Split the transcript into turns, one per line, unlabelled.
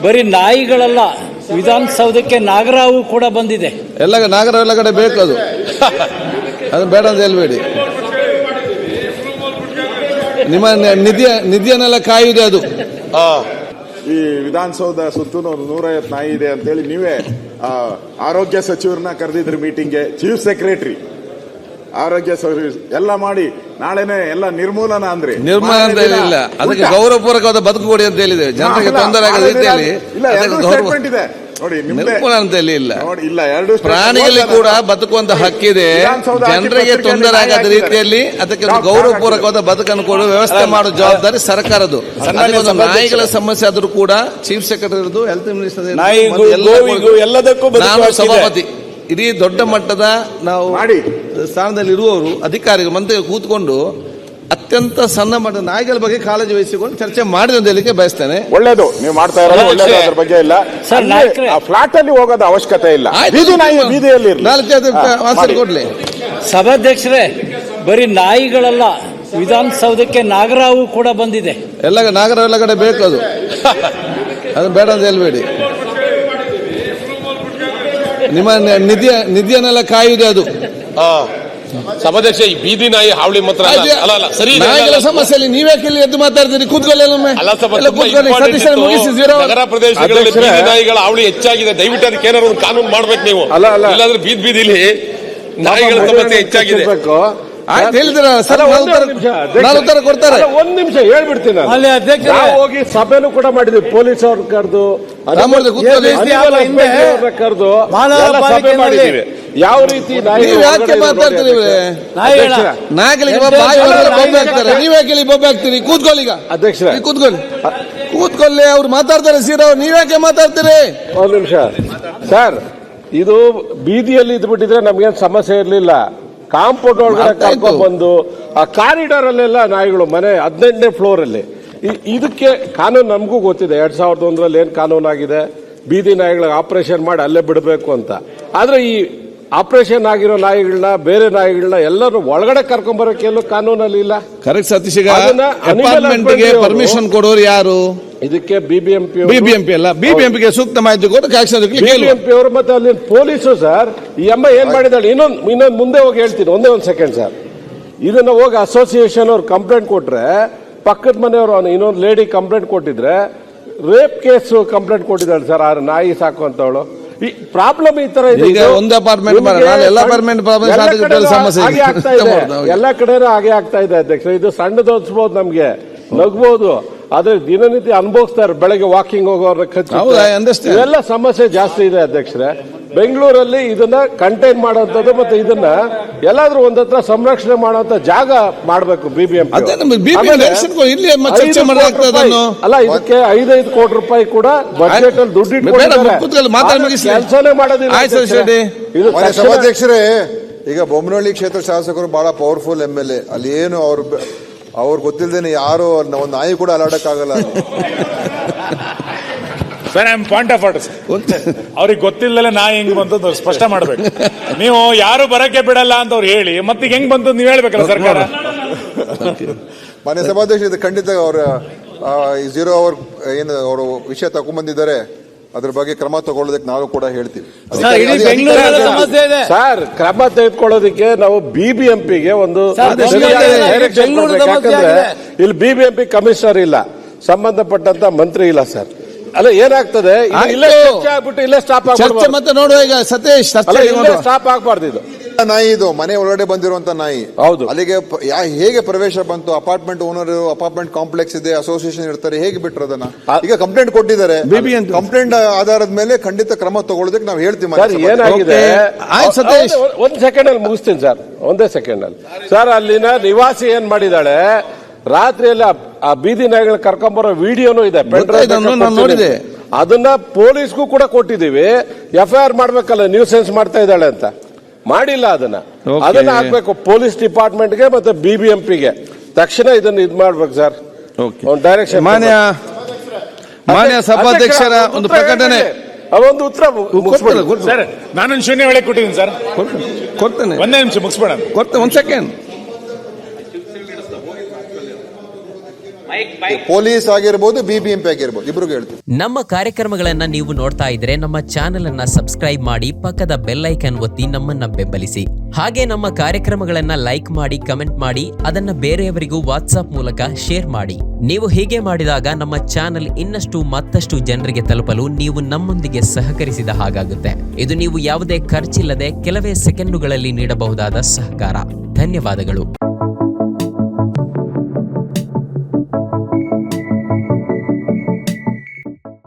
ಬರೀ ನಾಯಿಗಳಲ್ಲ, ವಿಧಾನಸೌಧಕ್ಕೆ ನಾಗರಾವು ಕೂಡ ಬಂದಿದೆ.
ಎಲ್ಲ ನಾಗರಾವ್ ಎಲ್ಲ ಕಡೆ ಬೇಕು, ಅದು ಬೇಡ ಅಂತ ಹೇಳ್ಬೇಡಿ. ನಿಮ್ಮ ನಿಧಿಯನ್ನೆಲ್ಲ ಕಾಯುವುದೇ ಅದು.
ಈ ವಿಧಾನಸೌಧ ಸುತ್ತೂ 150 ನಾಯಿ ಇದೆ ಅಂತೇಳಿ ನೀವೇ ಆರೋಗ್ಯ ಸಚಿವರನ್ನ ಕರೆದಿದ್ರಿ ಮೀಟಿಂಗ್ಗೆ, ಚೀಫ್ ಸೆಕ್ರೆಟರಿ ಆರೋಗ್ಯ ಎಲ್ಲ ಮಾಡಿ ನಾಳೆನೆ ಎಲ್ಲ ನಿರ್ಮೂಲನ ಅಂದ್ರೆ
ನಿರ್ಮೂಲನ ಅಂತ ಹೇಳಿಲ್ಲ, ಅದಕ್ಕೆ ಗೌರವಪೂರ್ವಕವಾದ ಬದುಕು ಕೊಡಿ ಅಂತ ಹೇಳಿದೆ. ಜನರಿಗೆ ತೊಂದರೆ ಆಗದ ರೀತಿಯಲ್ಲಿ
ನೋಡಿ,
ನಿರ್ಮೂಲನ ಅಂತ ಹೇಳಿಲ್ಲ.
ಇಲ್ಲ,
ಪ್ರಾಣಿಗಳಿಗೆ ಕೂಡ ಬದುಕುವಂತ ಹಕ್ಕಿದೆ. ಜನರಿಗೆ ತೊಂದರೆ ಆಗದ ರೀತಿಯಲ್ಲಿ ಅದಕ್ಕೆ ಗೌರವಪೂರ್ವಕವಾದ ಬದುಕನ್ನು ಕೊಡುವ ವ್ಯವಸ್ಥೆ ಮಾಡುವ ಜವಾಬ್ದಾರಿ ಸರ್ಕಾರದ್ದು. ನಾಯಿಗಳ ಸಮಸ್ಯೆ ಆದ್ರೂ ಕೂಡ ಚೀಫ್ ಸೆಕ್ರೆಟರಿ, ಹೆಲ್ತ್ ಮಿನಿಸ್ಟರ್, ನಾನು ಸಭಾಪತಿ, ಇಡೀ ದೊಡ್ಡ ಮಟ್ಟದ ನಾವು ಸ್ಥಾನದಲ್ಲಿ ಇರುವವರು ಅಧಿಕಾರಿಗಳು ಮಂತ್ರಿ ಕೂತ್ಕೊಂಡು ಅತ್ಯಂತ ಸಣ್ಣ ಮಟ್ಟದ ನಾಯಿಗಳ ಬಗ್ಗೆ ಕಾಳಜಿ ವಹಿಸಿಕೊಂಡು ಚರ್ಚೆ ಮಾಡಿದ ಅಂತ ಹೇಳಿಕೆ ಬಯಸ್ತೇನೆ.
ಒಳ್ಳೇದು ನೀವು ಮಾಡ್ತಾ ಇರೋದು, ಒಳ್ಳೇದು. ಅದ್ರ ಬಗ್ಗೆ ಇಲ್ಲ. ಫ್ಲಾಟ್ ಅಲ್ಲಿ ಹೋಗೋದ ಅವಶ್ಯಕತೆ ಇಲ್ಲ, ಬೀದಿಯಲ್ಲಿ
ಕೊಡ್ಲಿ.
ಸಭಾಧ್ಯಕ್ಷರೇ, ಬರೀ ನಾಯಿಗಳಲ್ಲ, ವಿಧಾನಸೌಧಕ್ಕೆ ನಾಗರಾವು ಕೂಡ ಬಂದಿದೆ.
ಎಲ್ಲ ನಾಗರಾವ್ ಎಲ್ಲ ಕಡೆ ಬೇಕು, ಅದು ಬೇಡ ಅಂತ ಹೇಳ್ಬೇಡಿ. ನಿಮ್ಮ ನಿಧಿಯನ್ನೆಲ್ಲ ಕಾಯುವುದೇ ಅದು.
ಸಭಾಧ್ಯಕ್ಷ, ಈ ಬೀದಿ ನಾಯಿ ಹಾವಳಿ ಮಾತ್ರ ಅಲ್ಲ, ಸರಿ.
ನಾಯಿಗಳ ಸಮಸ್ಯೆಯಲ್ಲಿ ನೀವ್ಯಾಕೆ ಇಲ್ಲಿ ಎದ್ದು ಮಾತಾಡ್ತೀರಿ? ಕೂತ್ಕೊಳ್ಳಿ.
ನಗರ ಪ್ರದೇಶಗಳಲ್ಲಿ ಬೀದಿ ನಾಯಿಗಳ ಹಾವಳಿ ಹೆಚ್ಚಾಗಿದೆ. ದಯವಿಟ್ಟು ಅದಕ್ಕೆ ಏನಾದ್ರು ಒಂದು ಕಾನೂನು ಮಾಡ್ಬೇಕು ನೀವು. ಇಲ್ಲಾಂದ್ರೆ ಬೀದಿಲಿ ನಾಯಿಗಳ ಸಮಸ್ಯೆ ಹೆಚ್ಚಾಗಿದೆ.
ಹೇಳಿದ್ರ ಸರ್, ನಾನು ಉತ್ತರ ಕೊಡ್ತಾರೆ.
ಒಂದ್ ನಿಮಿಷ ಹೇಳ್ಬಿಡ್ತೀನಿ. ಹೋಗಿ ಸಭೆನೂ ಕೂಡ ಮಾಡಿದ್ವಿ, ಪೊಲೀಸ್ ಅವ್ರ ಕರೆದು ಕರೆದು ಸಭೆ ಮಾಡಿದೀವಿ. ಯಾವ ರೀತಿ
ನೀವು ಯಾಕೆ ಮಾತಾಡ್ತೀರಿ? ನಾಯಿಗಳಿಗೆ ಬೊಬ್ಬೆ ಹಾಕ್ತಾರೆ, ನೀವ್ಯಾಕೆ ಇಲ್ಲಿ ಬೊಬ್ಬೆ ಹಾಕ್ತೀರಿ? ಕೂತ್ಕೊಳ್ಳಿ. ಈಗ
ಅಧ್ಯಕ್ಷರೇ
ಕೂತ್ಕೊಳ್ಳಿ, ಅವ್ರು ಮಾತಾಡ್ತಾರೆ. ಸೀರಾ ನೀವ್ಯಾಕೆ ಮಾತಾಡ್ತೀರಿ?
ಒಂದ್ ನಿಮಿಷ ಸರ್, ಇದು ಬೀದಿಯಲ್ಲಿ ಇದ್ಬಿಟ್ಟಿದ್ರೆ ನಮ್ಗೇನ್ ಸಮಸ್ಯೆ ಇರ್ಲಿಲ್ಲ. ಕಾಂಪೌಂಡ್ ಒಳಗಡೆ ಕರ್ಕೊಂಡ್ ಬಂದು ಆ ಕಾರಿಡಾರ್ ಅಲ್ಲೆಲ್ಲ ನಾಯಿಗಳು, ಮನೆ 18ನೇ ಫ್ಲೋರ್ ಅಲ್ಲಿ. ಇದಕ್ಕೆ ಕಾನೂನು ನಮಗೂ ಗೊತ್ತಿದೆ. 2001ರಲ್ಲಿ ಏನ್ ಕಾನೂನು ಆಗಿದೆ, ಬೀದಿ ನಾಯಿಗಳಿಗೆ ಆಪರೇಷನ್ ಮಾಡಿ ಅಲ್ಲೇ ಬಿಡಬೇಕು ಅಂತ. ಆದ್ರೆ ಈ ಆಪರೇಷನ್ ಆಗಿರೋ ನಾಯಿಗಳನ್ನ, ಬೇರೆ ನಾಯಿಗಳನ್ನ ಎಲ್ಲರೂ ಒಳಗಡೆ ಕರ್ಕೊಂಡ್ ಬರೋಕೆ ಎಲ್ಲೂ ಕಾನೂನಲ್ಲಿ ಇಲ್ಲ.
ಕರೆಕ್ಟ್ ಸತೀಶ್. ಪರ್ಮಿಷನ್ ಕೊಡೋರು ಯಾರು?
ಇದಕ್ಕೆ ಬಿಬಿಎಂಪಿ
ಅಲ್ಲ, ಬಿಬಿಎಂಪಿಗೆ ಸೂಕ್ತ ಮಾಹಿತಿ ಕೊಟ್ಟು
ಬಿಬಿಎಂಪಿ ಅವರು ಮತ್ತೆ ಅಲ್ಲಿ ಪೊಲೀಸರು. ಸರ್, ಈ ಅಮ್ಮ ಏನ್ ಮಾಡಿದಾಳೆ, ಇನ್ನೊಂದು ಮುಂದೆ ಹೋಗಿ ಹೇಳ್ತೀನಿ, ಒಂದೇ ಒಂದು ಸೆಕೆಂಡ್ ಸರ್. ಇದನ್ನ ಹೋಗಿ ಅಸೋಸಿಯೇಷನ್ ಅವ್ರು ಕಂಪ್ಲೇಂಟ್ ಕೊಟ್ರೆ, ಪಕ್ಕದ ಮನೆಯವರು ಇನ್ನೊಂದು ಲೇಡಿ ಕಂಪ್ಲೇಂಟ್ ಕೊಟ್ಟಿದ್ರೆ, ರೇಪ್ ಕೇಸ್ ಕಂಪ್ಲೇಂಟ್ ಕೊಟ್ಟಿದ್ದಾಳೆ ಸರ್, ಆ ನಾಯಿ ಸಾಕುವಂತವಳು. ಈ ಪ್ರಾಬ್ಲಮ್ ಈ ತರ ಇದೆ.
ಒಂದು ಅಪಾರ್ಟ್ಮೆಂಟ್
ಎಲ್ಲ ಕಡೆನೂ ಹಾಗೆ ಆಗ್ತಾ ಇದೆ ಅಧ್ಯಕ್ಷ. ಇದು ಸಣ್ಣದು ಅನ್ಸ್ಬೋದು, ನಮ್ಗೆ ನಗ್ಬೋದು, ಆದ್ರೆ ದಿನನಿತ್ಯ ಅನುಭವಿಸ್ತಾರೆ. ಬೆಳಗ್ಗೆ ವಾಕಿಂಗ್ ಹೋಗೋರ್ನ ಇವೆಲ್ಲ ಸಮಸ್ಯೆ ಜಾಸ್ತಿ ಇದೆ ಅಧ್ಯಕ್ಷರೇ. ಬೆಂಗಳೂರಲ್ಲಿ ಇದನ್ನ ಕಂಟೈನ್ ಮಾಡುವಂತದ್ದು ಮತ್ತೆ ಇದನ್ನ ಎಲ್ಲಾದ್ರೂ ಒಂದತ್ರ ಸಂರಕ್ಷಣೆ ಮಾಡುವಂತ ಜಾಗ ಮಾಡಬೇಕು ಬಿಬಿಎಂಪಿ. ಅಲ್ಲ, ಇದಕ್ಕೆ 5 ಕೋಟಿ ರೂಪಾಯಿ ಕೂಡ ಬಜೆಟ್ ಅಲ್ಲಿ ದುಡ್ಡು ಕೆಲಸನೇ ಮಾಡೋದಿಲ್ಲ.
ಸಭಾಧ್ಯಕ್ಷರೇ, ಈಗ ಬೊಮ್ಮನಹಳ್ಳಿ ಕ್ಷೇತ್ರ ಶಾಸಕರು ಬಹಳ ಪವರ್ಫುಲ್ MLA. ಅಲ್ಲಿ ಏನು ಅವ್ರು ಗೊತ್ತಿಲ್ಲದೇನೆ ಯಾರು ಒಂದು ನಾಯಿ ಕೂಡ ಅಲಾಡಕ್ಕಾಗಲ್ಲ.
Sir, point of order. ಅವ್ರಿಗೆ ಗೊತ್ತಿಲ್ಲದೆ ನಾಯಿ ಹೆಂಗ್ ಬಂತು ಸ್ಪಷ್ಟ ಮಾಡ್ಬೇಕು. ನೀವು ಯಾರು ಬರಕ್ಕೆ ಬಿಡಲ್ಲ ಅಂತ ಅವ್ರು ಹೇಳಿ ಮತ್ತೆ ಹೆಂಗ್ ಬಂತು ನೀವು ಹೇಳ್ಬೇಕಲ್ಲ ಸರ್ಕಾರ.
ಮಾನ್ಯ ಸಭಾಧ್ಯಕ್ಷ, ಇದು ಖಂಡಿತ ಅವರ 0 ಅವರ್ ಏನು ಅವರು ವಿಷಯ ತಗೊಂಡ್ಬಂದಿದ್ದಾರೆ, ಅದ್ರ ಬಗ್ಗೆ ಕ್ರಮ ತಗೊಳ್ಳೋದಕ್ಕೆ ನಾವು ಕೂಡ ಹೇಳ್ತೀವಿ.
ಸರ್, ಕ್ರಮ ತೆಗೆದುಕೊಳ್ಳೋದಕ್ಕೆ ನಾವು ಬಿಬಿಎಂಪಿಗೆ ಒಂದು ಇಲ್ಲಿ ಬಿಬಿಎಂಪಿ ಕಮಿಷನರ್ ಇಲ್ಲ, ಸಂಬಂಧಪಟ್ಟಂತ ಮಂತ್ರಿ ಇಲ್ಲ ಸರ್. ಅಲ್ಲ, ಏನಾಗ್ತದೆ, ಇಲ್ಲೇ ಸ್ಟಾಪ್
ಆಗ್ಬಾರ್ದು. ಮತ್ತೆ ನೋಡುವ ಈಗ ಸತೀಶ್,
ಸ್ಟಾಪ್ ಆಗ್ಬಾರ್ದು. ಇದು
ನಾಯಿ, ಇದು ಮನೆ ಒಳಗಡೆ ಬಂದಿರುವಂತ ನಾಯಿ.
ಹೌದು.
ಅಲ್ಲಿಗೆ ಹೇಗೆ ಪ್ರವೇಶ ಬಂತು? ಅಪಾರ್ಟ್ಮೆಂಟ್ ಓನರ್, ಅಪಾರ್ಟ್ಮೆಂಟ್ ಕಾಂಪ್ಲೆಕ್ಸ್ ಇದೆ, ಅಸೋಸಿಯೇಷನ್ ಇರ್ತಾರೆ, ಹೇಗೆ ಬಿಟ್ರು ಅದನ್ನ? ಈಗ ಕಂಪ್ಲೇಂಟ್ ಕೊಟ್ಟಿದ್ದಾರೆ. ಕಂಪ್ಲೇಂಟ್ ಆಧಾರದ ಮೇಲೆ ಖಂಡಿತ ಕ್ರಮ ತಗೊಳ್ಳೋದಕ್ಕೆ ನಾವು ಹೇಳ್ತೀವಿ.
ಏನಾಗಿದೆ, ಒಂದ್ ಸೆಕೆಂಡ್ ಅಲ್ಲಿ ಮುಗಿಸ್ತೀನಿ ಸರ್, ಒಂದೇ ಸೆಕೆಂಡ್ ಅಲ್ಲಿ. ಸರ್, ಅಲ್ಲಿನ ನಿವಾಸಿ ಏನ್ ಮಾಡಿದಾಳೆ, ರಾತ್ರಿಯಲ್ಲಿ ಆ ಬೀದಿ ನಾಯಿಗಳು ಕರ್ಕೊಂಡ್ಬರೋ ವಿಡಿಯೋನು ಇದೆ,
ನೋಡಿದೆ.
ಅದನ್ನ ಪೊಲೀಸ್ಗೂ ಕೂಡ ಕೊಟ್ಟಿದೀವಿ. FIR ಮಾಡ್ಬೇಕಲ್ಲ, ನ್ಯೂಸೆನ್ಸ್ ಮಾಡ್ತಾ ಇದ್ದಾಳೆ ಅಂತ. ಮಾಡಿಲ್ಲ. ಅದನ್ನ ಹಾಕ್ಬೇಕು ಪೊಲೀಸ್ ಡಿಪಾರ್ಟ್ಮೆಂಟ್ಗೆ ಮತ್ತೆ ಬಿಬಿಎಂಪಿಗೆ. ತಕ್ಷಣ ಇದನ್ನ ಇದು ಮಾಡ್ಬೇಕು ಸರ್, ಡೈರೆಕ್ಷನ್.
ಮಾನ್ಯ ಸಭಾಧ್ಯಕ್ಷರ ಒಂದು ಪ್ರಕಟಣೆ,
ಅವೊಂದು ಉತ್ತರ
ಸರ್. ನಾನೊಂದು ಶೂನ್ಯ ವೇಳೆ ಕೊಟ್ಟಿದ್ದೀನಿ ಸರ್,
ಕೊಡ್ತೇನೆ.
ಒಂದೇ ನಿಮಿಷ ಮುಗಿಸ್ಬೇಡ,
ಕೊಡ್ತೇನೆ, ಒಂದ್ ಸೆಕೆಂಡ್.
ಪೊಲೀಸ್ ಆಗಿರ್ಬೋದು, BBMP ಆಗಿರ್ಬೋದು, ಇಬ್ರಿಗೂ ಹೇಳ್ತೀವಿ.
ನಮ್ಮ ಕಾರ್ಯಕ್ರಮಗಳನ್ನ ನೀವು ನೋಡ್ತಾ ಇದ್ರೆ ನಮ್ಮ ಚಾನೆಲ್ ಅನ್ನ ಸಬ್ಸ್ಕ್ರೈಬ್ ಮಾಡಿ, ಪಕ್ಕದ ಬೆಲ್ ಐಕನ್ ಒತ್ತಿ ನಮ್ಮನ್ನ ಬೆಂಬಲಿಸಿ. ಹಾಗೆ ನಮ್ಮ ಕಾರ್ಯಕ್ರಮಗಳನ್ನ ಲೈಕ್ ಮಾಡಿ, ಕಮೆಂಟ್ ಮಾಡಿ, ಅದನ್ನ ಬೇರೆಯವರಿಗೂ ವಾಟ್ಸ್ಆಪ್ ಮೂಲಕ ಶೇರ್ ಮಾಡಿ. ನೀವು ಹೀಗೆ ಮಾಡಿದಾಗ ನಮ್ಮ ಚಾನೆಲ್ ಇನ್ನಷ್ಟು ಮತ್ತಷ್ಟು ಜನರಿಗೆ ತಲುಪಲು ನೀವು ನಮ್ಮೊಂದಿಗೆ ಸಹಕರಿಸಿದ ಹಾಗಾಗುತ್ತೆ. ಇದು ನೀವು ಯಾವುದೇ ಖರ್ಚಿಲ್ಲದೆ ಕೆಲವೇ ಸೆಕೆಂಡುಗಳಲ್ಲಿ ನೀಡಬಹುದಾದ ಸಹಕಾರ. ಧನ್ಯವಾದಗಳು.